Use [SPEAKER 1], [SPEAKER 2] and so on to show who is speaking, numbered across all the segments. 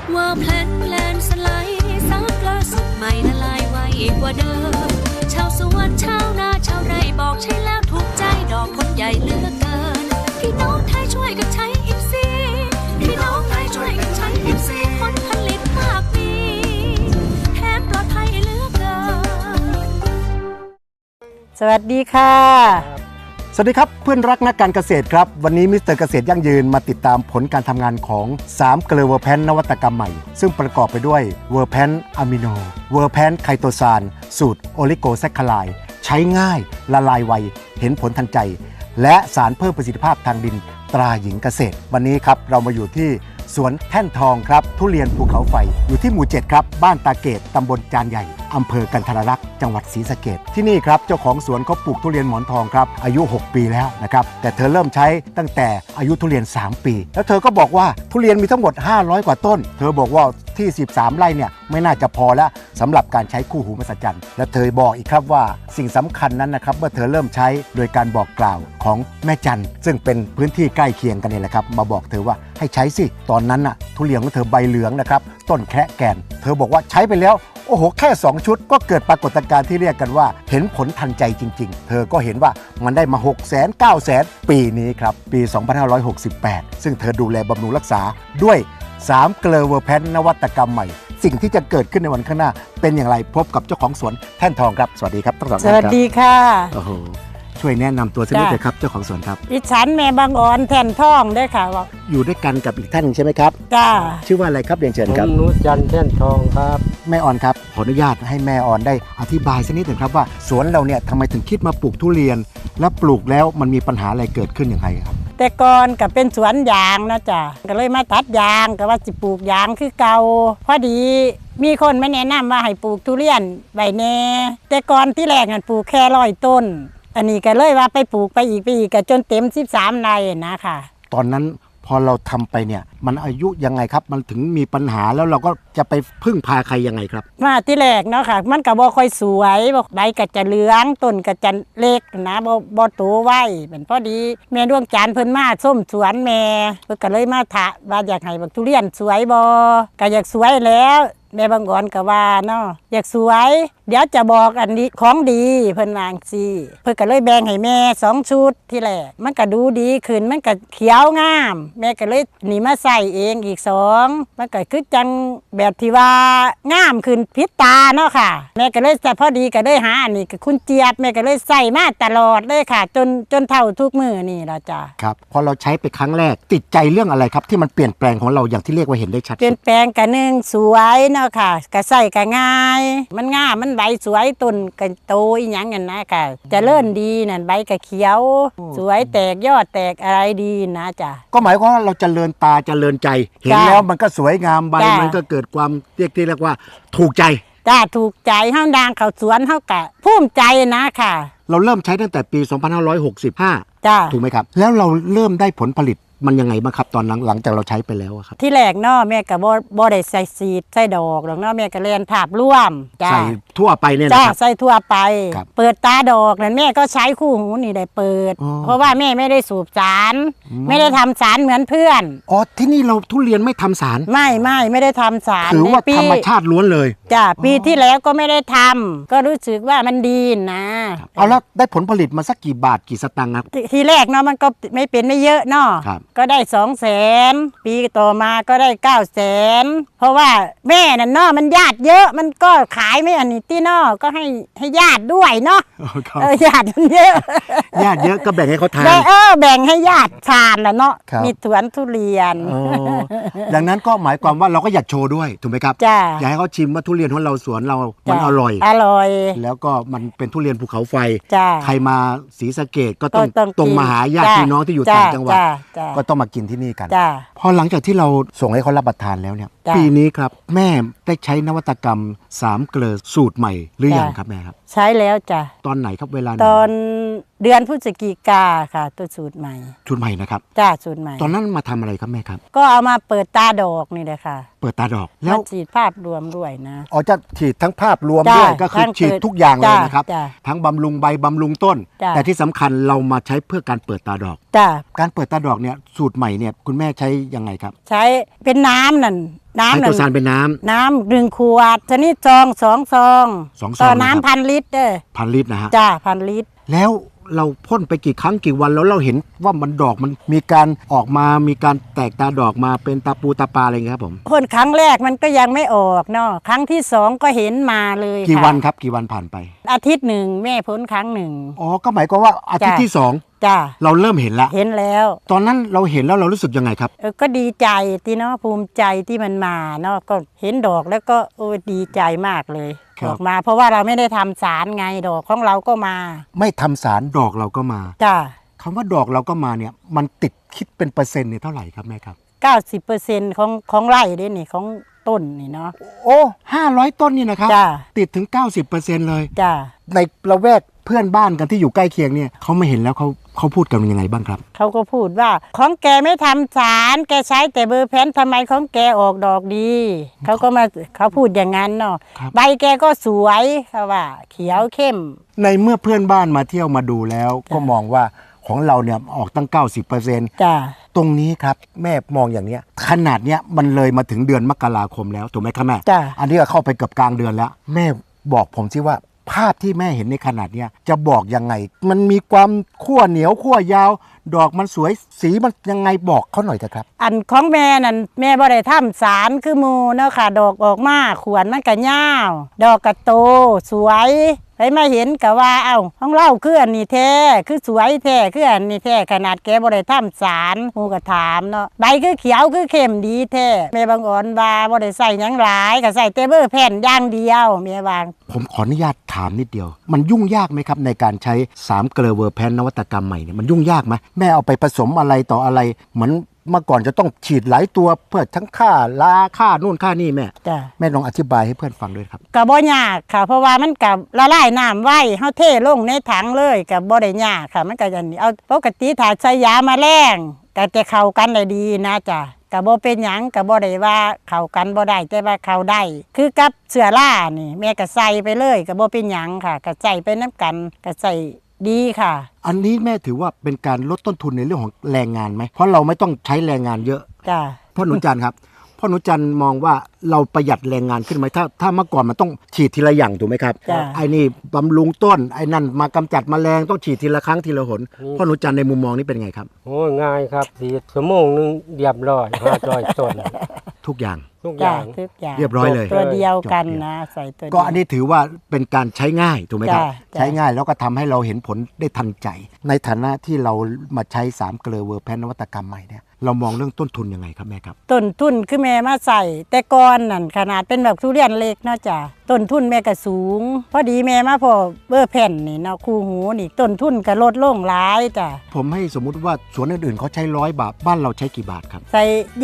[SPEAKER 1] ว่าแพลนสไลด์ซักล่าสุดใหม่ละลายไวกว่าเดิมชาวสวนชาวนาชาวไร่บอกใช่แล้วถูกใจดอกผลใหญ่เหลือเกินพี่น้องไทยช่วยกันใช้อิฟซีพี่น้องไทยช่วยกันใช้อิฟซีผลผลิตมากมีแถมปลอดภัยเหลือเกิน
[SPEAKER 2] สวัสดีค่ะ
[SPEAKER 3] สวัสดีครับเพื่อนรักนักการเกษตรครับวันนี้มิสเตอร์เกษตรยั่งยืนมาติดตามผลการทำงานของ3เกลือเวอร์แพนนวัตกรรมใหม่ซึ่งประกอบไปด้วยเวอร์แพนอะมิโนเวอร์แพนไคโตซานสูตรโอลิโกแซคคาไลด์ใช้ง่ายละลายไวเห็นผลทันใจและสารเพิ่มประสิทธิภาพทางดินตราหญิงเกษตรวันนี้ครับเรามาอยู่ที่สวนแท่นทองครับทุเรียนภูเขาไฟอยู่ที่หมู่7ครับบ้านตาเกตตำบลจานใหญ่อำเภอกันทรลักษณ์จังหวัดศรีสะเกษที่นี่ครับเจ้าของสวนเขาปลูกทุเรียนหมอนทองครับอายุ6ปีแล้วนะครับแต่เธอเริ่มใช้ตั้งแต่อายุทุเรียน3ปีแล้วเธอก็บอกว่าทุเรียนมีทั้งหมด500กว่าต้นเธอบอกว่าที่13ไร่เนี่ยไม่น่าจะพอแล้วสำหรับการใช้คู่หูมหัศจรรย์และเธอบอกอีกครับว่าสิ่งสำคัญนั้นนะครับเมื่อเธอเริ่มใช้โดยการบอกกล่าวของแม่จันซึ่งเป็นพื้นที่ใกล้เคียงกันนี่แหละครับมาบอกเธอว่าให้ใช้สิตอนนั้นน่ะทุเรียนของเธอใบเหลืองนะครับต้นแคะแกนเธอบอกว่าใช้ไปแล้วโอ้โหแค่2ชุดก็เกิดปรากฏการณ์ที่เรียกกันว่าเห็นผลทันใจจริงๆเธอก็เห็นว่ามันได้มา600,000 900,000ปีนี้ครับปี2568ซึ่งเธอดูแลบำรุงรักษาด้วย3เกลือเวอร์แพนนวัตกรรมใหม่สิ่งที่จะเกิดขึ้นในวันข้างหน้าเป็นอย่างไรพบกับเจ้าของสวนแท่นทองครับสวัสดีครับทั้งสองท่านครับ
[SPEAKER 2] สวัสดีค่ะ
[SPEAKER 3] โอ้โหช่วยแนะนำตัวสักนิดเลยครับเจ้าของสวนครับ
[SPEAKER 2] ดิฉันแม่บางอ่อนแท่นทองด้วยค่ะ
[SPEAKER 3] อยู่ด้วยกันกับอีกท่านใช่ไหมครับ
[SPEAKER 2] จ้า
[SPEAKER 3] ชื่อว่าอะไรครับเรียนเชิญครับ
[SPEAKER 4] นุจันทร์แท่นทองครับ
[SPEAKER 3] แม่ออนครับขออนุญาตให้แม่ออนได้อธิบายสักนิดหนึ่งครับว่าสวนเราเนี่ยทำไมถึงคิดมาปลูกทุเรียนและปลูกแล้วมันมีปัญหาอะไรเกิดขึ้นอย่างไรครับ
[SPEAKER 2] แต่ก่อนก็เป็นสวนยางนะจ้ะก็เลยมาตัดยางก็ว่าจะปลูกยางคือเก่าพอดีมีคนมาแนะนำว่าให้ปลูกทุเรียนใบแน่แต่ก่อนที่แรกนั่นปลูกแค่100 ต้นอันนี้ก็เลยว่าไปปลูกไปอีกก็จนเต็ม13ไร่นะค่ะ
[SPEAKER 3] ตอนนั้นพอเราทำไปเนี่ยมันอายุยังไงครับมันถึงมีปัญหาแล้วเราก็จะไปพึ่งพาใครยังไงครับ
[SPEAKER 2] มาที่แรกเนาะค่ะมันก็บ่ค่อยสวยใบก็จะเหลืองต้นก็จะเล็กนะบ่โตไวเป็นพอดีแม่ดวงจันทร์เพิ่นมาส้มสวนแม่เพิ่นก็เลยมาถามว่าอยากให้บักทุเรียนสวยบ่ก็อยากสวยแล้วแม่บางอ่อนก็ว่าเนาะอยากสวยเดี๋ยวจะบอกอันนี้ของดีเพิ่นวางสิเพิ่นก็เลยแบ่งให้แม่2ชุดที่แรกมันก็ดูดีขึ้นมันก็เขียวงามแม่ก็เลยนี่มาใส่เองอีก2มันก็คือจังแบบที่ว่างามขึ้นพิษตาเนาะค่ะแม่ก็เลยแต่พอดีก็เลยหาอันนี้กับคุณเจี๊ยบแม่ก็เลยใส่มาตลอดเลยค่ะจนเท่าทุกมื้อนี่ล่ะจ้ะ
[SPEAKER 3] ครับพอเราใช้ไปครั้งแรกติดใจเรื่องอะไรครับที่มันเปลี่ยนแปลงของเราอย่างที่เรียกว่าเห็นได้ชัด
[SPEAKER 2] เปลี่ยนแปลงก็1สวยเนาะค่ะก็ใส่ก็ง่ายมันงามมันใบสวยต้นก็โตอีหยังนั่นนะค่ะเจริญดีนั่นใบก็เขียวสวยแตกยอดแตกอะไรดีนะจ้ะ
[SPEAKER 3] ก็หมายความว่าเราเจริญตาเจริญใจเห็นแล้วมันก็สวยงามใบมันก็เกิดความเรียกว่าถูกใจ
[SPEAKER 2] จ้าถูกใจเฮาดังเข้าสวนเฮาก็ภูมิใจนะค่ะ
[SPEAKER 3] เราเริ่มใช้ตั้งแต่ปี2565
[SPEAKER 2] จ้า
[SPEAKER 3] ถูกไหมครับแล้วเราเริ่มได้ผลผลิตมันยังไงบ้างครับตอนหลังจากเราใช้ไปแล้วครับ
[SPEAKER 2] ที่แรกเนาะแม่ก็บ่ได้ใส่ซีดใส่ดอกหรอกเนาะแม่ก็เรียนภาพร่วม
[SPEAKER 3] ใส่ทั่วไปเนี่ย
[SPEAKER 2] นะครับใส่ทั่วไปเปิดตาดอกนั่นแม่ก็ใช้คู่หูนี่ได้เปิดเพราะว่าแม่ไม่ได้สูบสารไม่ได้ทำสารเหมือนเพื่อน
[SPEAKER 3] อ๋อที่นี่เราทุเรียนไม่ทำสาร
[SPEAKER 2] ไม่ได้ทำสาร
[SPEAKER 3] ถือว่าธรรมชาติล้วนเลย
[SPEAKER 2] จ้ะปีที่แล้วก็ไม่ได้ทำก็รู้สึกว่ามันดีนะ
[SPEAKER 3] เอาแล้วได้ผลผลิตมาสักกี่บาทกี่สตางค์ครับ
[SPEAKER 2] ทีแรกเนาะมันก็ไม่เยอะเนาะก็ได้200,000ปีต่อมาก็ได้900,000เพราะว่าแม่น่ะเนาะมันญาติเยอะมันก็ขายไม่อันนี้ที่เนาะก็ให้ญาติด้วยเนาะญาติมันเยอะ
[SPEAKER 3] ญาติเยอะก็แบ่งให้เขาทาน
[SPEAKER 2] แบ่งให้ญาติทานน่ะเนาะมีสวนทุเรียน
[SPEAKER 3] ดังนั้นก็หมายความว่าเราก็อยากโชว์ด้วยถูกไหมครับอยากให้เขาชิมว่าทุเรียนของเราสวนเรามันอร่อยแล้วก็มันเป็นทุเรียนภูเขาไฟใครมาศรีสะเกษก็ต้องตรงมาหาญาติพี่น้องที่อยู่ต่างจังหวัดก็ต้องมากินที่นี่กันพอหลังจากที่เราส่งให้เขารับประทานแล้วเนี่ยปีนี้ครับแม่ได้ใช้นวัตกรรม3เกลือสูตรใหม่หรือยังครับแม่ครับ
[SPEAKER 2] ใช้แล้วจ้ะ
[SPEAKER 3] ตอนไหนครับเวลา
[SPEAKER 2] ตอนเดือนพฤศจิกาค่ะตัวสูตรใหม่
[SPEAKER 3] นะครับ
[SPEAKER 2] จ้าสูตรใหม่
[SPEAKER 3] ตอนนั้นมาทำอะไรครับแม่ครับ
[SPEAKER 2] ก็เอามาเปิดตาดอกนี่แหละค่ะ
[SPEAKER 3] เปิดตาดอกแล้ว
[SPEAKER 2] ฉีดภาพรวมด้วยนะ
[SPEAKER 3] อ๋อจะฉีดทั้งภาพรวมด้วยก็คือฉีดทุกอย่างเลยนะครับทั้งบำรุงใบบำรุงต้นแต่ที่สำคัญเรามาใช้เพื่อการเปิดตาดอกการเปิดตาดอกเนี่ยสูตรใหม่เนี่ยคุณแม่ใช้ยังไงครับ
[SPEAKER 2] ใช้เป็นน้ำนั่นน้ำ
[SPEAKER 3] ไคโตซานเป็นน้ำ
[SPEAKER 2] น้ำ1 ขวดชนิดซอง2 ซอง
[SPEAKER 3] 2 ซอง
[SPEAKER 2] ต่อ
[SPEAKER 3] นะครับ
[SPEAKER 2] น้ำ1,000 ลิตรเด้อ
[SPEAKER 3] 1,000 ลิตรนะฮะ
[SPEAKER 2] จ้า1,000 ลิตร
[SPEAKER 3] แล้วเราพ่นไปกี่ครั้งกี่วันแล้วเราเห็นว่ามันดอกมันมีการออกมามีการแตกตาดอกมาเป็นตาปูตาปลาอะไรอย่างเงี้ยครับผม
[SPEAKER 2] พ่นครั้งแรกมันก็ยังไม่ออกเนาะครั้งที่2ก็เห็นมาเลย
[SPEAKER 3] กี่
[SPEAKER 2] ค่ะ
[SPEAKER 3] วันครับกี่วันผ่านไป
[SPEAKER 2] อาทิตย์หนึ่งแม่พ่นครั้งหนึ่ง
[SPEAKER 3] อ๋อก็หมายความว่าอาทิตย์
[SPEAKER 2] จ้ะ
[SPEAKER 3] ที่
[SPEAKER 2] จ้า
[SPEAKER 3] 2 เราเริ่มเห็นแล้ว
[SPEAKER 2] เห็นแล้ว
[SPEAKER 3] ตอนนั้นเราเห็นแล้วเรารู้สึกยังไงครับ
[SPEAKER 2] ก็ดีใจที่เนาะภูมิใจที่มันมาเนาะก็เห็นดอกแล้วก็ดีใจมากเลย
[SPEAKER 3] ครับ
[SPEAKER 2] ดอกมา เพราะว่าเราไม่ได้ทำสารไงดอกของเราก็มา
[SPEAKER 3] ไม่ทำสารดอกเราก็มา
[SPEAKER 2] จ้า
[SPEAKER 3] คำว่าดอกเราก็มาเนี่ยมันติดคิดเป็นเปอร์เซ็นต์เนี่ยเท่าไหร่ครับแม่ครับ
[SPEAKER 2] 90%ของไร่เด้นี่ของต้นนี่เนาะ
[SPEAKER 3] โอ้500 ต้นนี่นะครับ
[SPEAKER 2] จ้า
[SPEAKER 3] ติดถึง 90%เลย
[SPEAKER 2] จ้า
[SPEAKER 3] ในละแวกเพื่อนบ้านกันที่อยู่ใกล้เคียงเนี่ยเขาไม่เห็นแล้วเขาพูดกันยังไงบ้างครับ
[SPEAKER 2] เขาก็พูดว่าของแกไม่ทำสารแกใช้แต่เบอร์แพนทำไมของแกออกดอกดีเขาพูดอย่างนั้นเนาะ
[SPEAKER 3] ครับ
[SPEAKER 2] ใบแกก็สวยเขาว่า เขียวเข้ม
[SPEAKER 3] ในเมื่อเพื่อนบ้านมาเที่ยวมาดูแล้วก็มองว่าของเราเนี่ยออกตั้ง 90%
[SPEAKER 2] จ้า
[SPEAKER 3] ตรงนี้ครับแม่มองอย่างเนี้ยขนาดเนี้ยมันเลยมาถึงเดือนมกราคมแล้วถูกไหมครับแม่
[SPEAKER 2] จ้า
[SPEAKER 3] อันนี้ก็เข้าไปเกือบกลางเดือนแล้ว แม่บอกผมสิว่าภาพที่แม่เห็นในขนาดเนี้ยจะบอกยังไง มันมีความขั้วเหนียวขั้วยาว ดอกมันสวยสีมันยังไงบอกเขาหน่อยเถอะครับ
[SPEAKER 2] อันของแม่นั่นแม่บ่ได้ทำสารคือหมูเนาะค่ะ ดอกออกมาขวนมันก็ยาวดอกก็โตสวยไปมาเห็นก็ว่าเอ้าของเราคืออันนี้แท้คือสวยแท้คืออันนี้แท้ขนาดแกบ่ได้ทำสารหมูก็ถามเนาะใบคือเขียวคือเข้มดีแท้แม่บางอ่อนว่าบ่ได้ใส่หยังหลายก็ใส่แต่เบอร์แผ่นอย่างเดียวแม่วาง
[SPEAKER 3] ผมขออนุญาตถามนิดเดียว มันยุ่งยากไหมครับในการใช้3เกลอเวอร์แพนนวัตกรรมใหม่เนี่ยมันยุ่งยากไหมแม่เอาไปผสมอะไรต่ออะไรเหมือนเมื่อก่อนจะต้องฉีดหลายตัวเพื่อทั้งค่าลาค่านู่นค่านี่แม่
[SPEAKER 2] จ้ะ
[SPEAKER 3] แม่ลองอธิบายให้เพื่อนฟังด้วยครับ
[SPEAKER 2] ก็บ่ยากค่ะ เพราะว่ามันกับละลายน้ำไว้เฮาเทลงในถังเลยก็บ่ได้ยากค่ะ มันก็อย่างนี้เอาปกติถ้าใช้ยาแมลงก็จะเข้ากันได้ดีนะจ้ะก็บ่เป็นหยังก็บ่ได้ว่าเข้ากันบ่ได้แต่ว่าเข้าได้ คือกับเสื้อล่านี่แม่ก็ใส่ไปเลยก็บ่เป็นหยังค่ะก็ใส่ไปนํกันก็ใส่ดีค่ะ
[SPEAKER 3] อันนี้แม่ถือว่าเป็นการลดต้นทุนในเรื่องของแรงงานไหมเพราะเราไม่ต้องใช้แรงงานเยอะ
[SPEAKER 2] จ้ะ
[SPEAKER 3] พ่อหนูจันทร์ครับพ่อหนูจันทร์มองว่าเราประหยัดแรงงานขึ้นไหมถ้าเมื่อก่อนมันต้องฉีดทีละอย่างถูกไหมครับ
[SPEAKER 2] จ้ะ
[SPEAKER 3] ไอ้นี่บำรุงต้นไอ้นั่นมากำจัดแมลงต้องฉีดทีละครั้งทีละหนพ่อหนูจันทร์ในมุมมองนี้เป็นไงครับ
[SPEAKER 4] โอ้ยง่ายครับสีชั่วโมงนึงเรียบร้อย500 ต้น
[SPEAKER 3] ทุกอย่าง
[SPEAKER 4] ทุกอ
[SPEAKER 2] จ้ะ
[SPEAKER 4] ย่าง
[SPEAKER 2] ทุกอย่าง
[SPEAKER 3] เรียบร้อยเลย
[SPEAKER 2] ตัวเดียวกันนะใส่ตัวเดียว
[SPEAKER 3] ก็อันนี้ถือว่าเป็นการใช้ง่ายถูกไหมครับ
[SPEAKER 2] จ้ะจ้ะ
[SPEAKER 3] ใช้ง่ายแล้วก็ทำให้เราเห็นผลได้ทันใจ ในฐานะที่เรามาใช้3เกลอเวอร์แพนนวัตกรรมใหม่เนี่ยเรามองเรื่องต้นทุนยังไงครับแม่ครับ
[SPEAKER 2] ต้นทุนคือแม่มาใส่แต่ก่อนนั่นขนาดเป็นแบบทุเรียนเล็กเนาะจ้ะต้นทุนแม่ก็สูง พอดีแม่มาพอเบอร์แผ่นนี่เนาะคู่หูนี่ต้นทุนก็ลดลงหลายจ้ะ
[SPEAKER 3] ผมให้สมมุติว่าสวนอื่นๆเขาใช้100 บาทบ้านเราใช้กี่บาทครับ
[SPEAKER 2] ใส่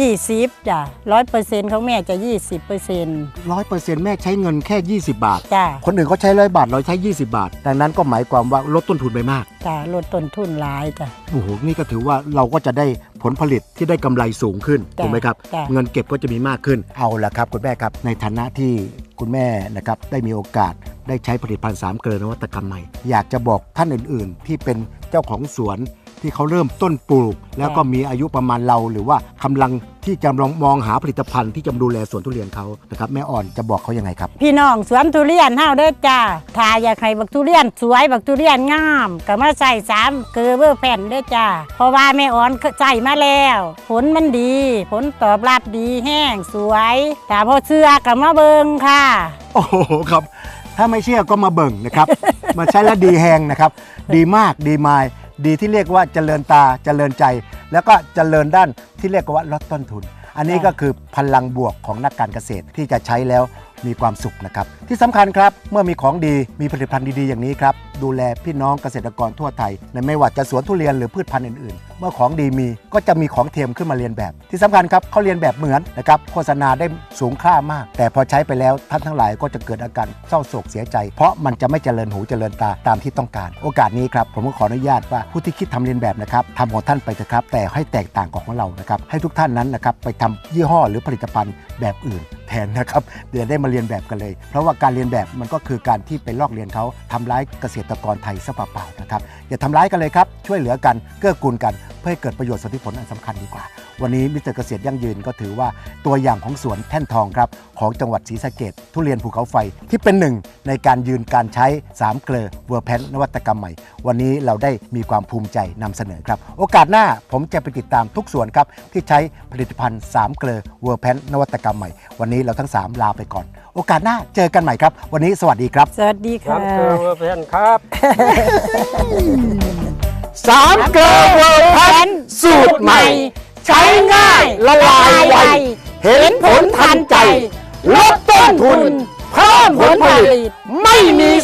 [SPEAKER 2] 20จ้ะ100%ของแม่จะ 20%
[SPEAKER 3] 100%แม่ใช้เงินแค่ 20 บาท
[SPEAKER 2] จ้ะ
[SPEAKER 3] คนอื่นเขาใช้100 บาทเราใช้ 20 บาท ดังนั้นก็หมายความว่าลดต้นทุนไปมาก
[SPEAKER 2] จ้ะลดต้นทุนหลายจ้ะ
[SPEAKER 3] โอ้โหนี่ก็ถือว่าเราก็จะได้ผลผลิตที่ได้กำไรสูงขึ้น
[SPEAKER 2] จ้ะ
[SPEAKER 3] ถูกไหมครับ
[SPEAKER 2] จ้ะ
[SPEAKER 3] เงินเก็บก็จะมีมากขึ้นเอาละครับคุณแม่ครับในฐานะที่คุณแม่นะครับได้มีโอกาสได้ใช้ผลิตภัณฑ์3เกลอนวัตกรรมใหม่อยากจะบอกท่านอื่นๆ ที่เป็นเจ้าของสวนที่เขาเริ่มต้นปลูก แล้วก็มีอายุประมาณเราหรือว่ากำลังที่จะลองมองหาผลิตภัณฑ์ที่จะดูแลสวนทุเรียนเขานะครับแม่อ่อนจะบอกเขายังไงครับ
[SPEAKER 2] พี่น้องสวนทุเรียนเฮาเด้อจ้ะถ้าอยากให้บักทุเรียนสวยบักทุเรียนงามก็มาใส่3เกลือเบอร์แผ่นเด้อจ้ะเพราะว่าแม่อ่อนใส่มาแล้วผลมันดี ผลตอบรับดีแห้งสวยแต่พอเชื่อก็มาเบิ่งค่ะ
[SPEAKER 3] โอ้โหครับถ้าไม่เชื่อก็มาเบิ่งนะครับ มาใช้แล้วดีแหงนะครับ ดีมากดีมายดีที่เรียกว่าเจริญตาเจริญใจ แล้วก็เจริญด้านที่เรียกว่าลดต้นทุน อันนี้ก็คือพลังบวกของนักการเกษตรที่จะใช้แล้วมีความสุขนะครับที่สำคัญครับเมื่อมีของดีมีผลิตภัณฑ์ดีๆอย่างนี้ครับดูแลพี่น้องเกษตรกรทั่วไทยในไม่ว่าจะสวนทุเรียนหรือพืชพันธุ์อื่นๆ เมื่อของดีมีก็จะมีของเทียมขึ้นมาเรียนแบบ ที่สำคัญครับเขาเรียนแบบเหมือนนะครับโฆษณาได้สูงค่ามาก แต่พอใช้ไปแล้วท่านทั้งหลายก็จะเกิดอาการเศร้าโศกเสียใจ เพราะมันจะไม่เจริญหูเจริญตาตามที่ต้องการโอกาสนี้ครับผมก็ขออนุญาตว่าผู้ที่คิดทำเรียนแบบนะครับทำของท่านไปเถอะครับแต่ให้แตกต่างของเรานะครับให้ทุกท่านนั้นนะครับไปทำยี่ห้อหรือผลิตภัณฑ์แบบอื่นแทนนะครับเดี๋ยวได้มาเรียนแบบกันเลยเพราะว่าการเรียนแบบมันก็คือการที่ไปลอกเรียนเขาทำร้ายเกษตรกรไทยซะเปล่าๆนะครับอย่าทำร้ายกันเลยครับช่วยเหลือกันเกื้อกูลกันพื่อให้เกิดประโยชน์ส่วนที่ผลอันสำคัญดีกว่าวันนี้มิสเตอร์เกษตรยั่งยืนก็ถือว่าตัวอย่างของสวนแท่นทองครับของจังหวัดศรีสะเกษทุเรียนภูเขาไฟที่เป็นหนึ่งในการยืนการใช้3เกลอเวอร์แพนนวัตกรรมใหม่วันนี้เราได้มีความภูมิใจนำเสนอครับโอกาสหน้าผมจะไปติดตามทุกสวนครับที่ใช้ผลิตภัณฑ์3เกลอเวอร์แพนนวัตกรรมใหม่วันนี้เราทั้ง3ลาไปก่อนโอกาสหน้าเจอกันใหม่ครับวันนี้สวัสดีครับ
[SPEAKER 2] สวัสดี
[SPEAKER 4] ครั
[SPEAKER 2] ค่ะ
[SPEAKER 4] บเจอเพื่อนครับ
[SPEAKER 3] 3เกลอเวอร์แพนสูตรใหม่ใช้ง่ายละลายไวเห็นผลทันใจลดต้นทุนเพิ่มผลผลิตไม่มี